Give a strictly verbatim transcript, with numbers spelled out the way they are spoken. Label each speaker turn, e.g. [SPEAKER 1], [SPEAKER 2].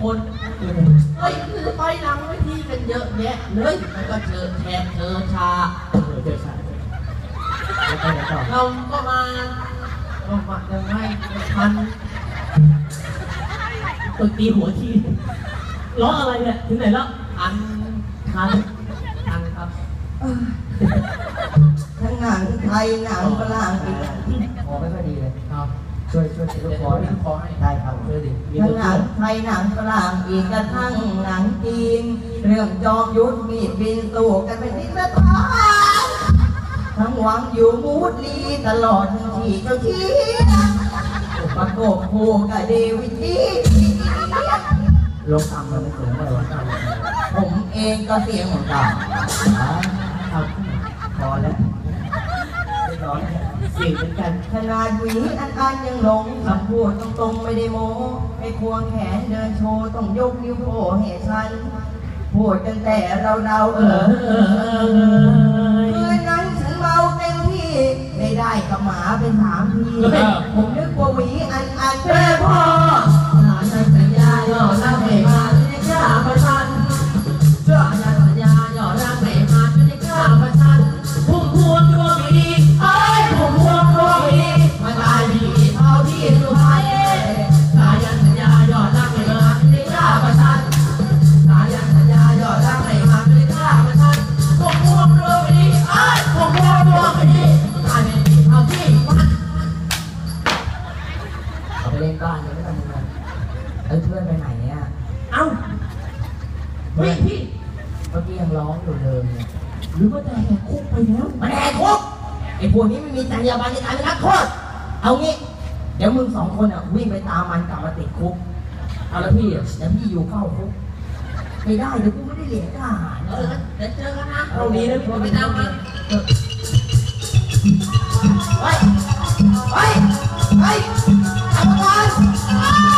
[SPEAKER 1] คนเฮ้ยคือไปหลังเวทีกันเยอะแยะเลยมันก็เจอแทนเจอชาเจอชาเราก็มาก็มายังไงทันตึกตีหัวทีร้องอะไรเนี่ยถึงไหนแล้วทันทันทันครับ
[SPEAKER 2] ทั้งหนังไทยหนังฝรั่งอีกขอไม่ค่อยดีเลยครับช่วยช่วยช่วยขอให้ขอให้ได้ครับช่วยดิทั้งหนังไทยหนังฝรั่งอีกกระทั่งหนังจีนเรื่องจอมยุทธมีดบินสู้กันเป็นที่ประทับทั้งหวังอยู่มูดลีตลอดทั้งที่เจ้าชี้ประกบคู่กับเดวิดดีลงตามมันไม่เสียงเลยวะผมเองก็เสียงเหมือนกันครับพอแล้วไม่ร้อนเสียงเหมือนกันขนาดหวีอันอันยังหลงคำพูดตรงๆไม่ได้โม้ไม่ควงแขนเดินโชว์ต้องยกนิ้วโผล่ให้ฉันพูดกันแต่เราเราเออคืนนั้นฉันเมาเต็มที่ไม่ได้กับหมาเป็นสามทีผมนึกว่าหวีอันอันแม่พ่อหลานสัญญาหยอดรักไม่มาไม่กล้าประชันเชื่อสัญญาหยอดรักไม่มาไม่กล้าประชันพุ่มพวงดวงดีเอ้ยพุ่มพวงดวงดีมาตายดีเท่าที่สุดท้ายสายันสัญญาหยอดรักไม่มาไม่กล้าประชันสายันสัญญาหยอดรักไม่มาไม่กล้าประชันพุ่มพวงดวงดีเอ้ยพุ่มพวงดวงดีตายดีเท่าที่มันเอาไปเล่นบ้านเลยไม่ต้องมึงเลยเอ้ยเพื่อนไปไหนเนี่ยเอ้าเฮ้ยพี่เมื่อกี้ยังร้องอยู่เลยหรือว่าจะแหกคุกไปแล้วมันแหกคุกไอ้พวกนี้ไม่มีจรรยาบรรณในการเป็นนักโทษเอางี้เดี๋ยวมึงสองคนอ่ะวิ่งไปตามมันกลับมาติดคุกเอาแล้วพี่อ่ะเดี๋ยวพี่อยู่เข้าคุกไม่ได้เดี๋ยวกูไม่ได้เรียนทหารเออเดี๋ยวเจอกันนะตรงนี้นะพี่ไปตามมันเฮ้ยเฮ้ยเฮ้ยทำงาน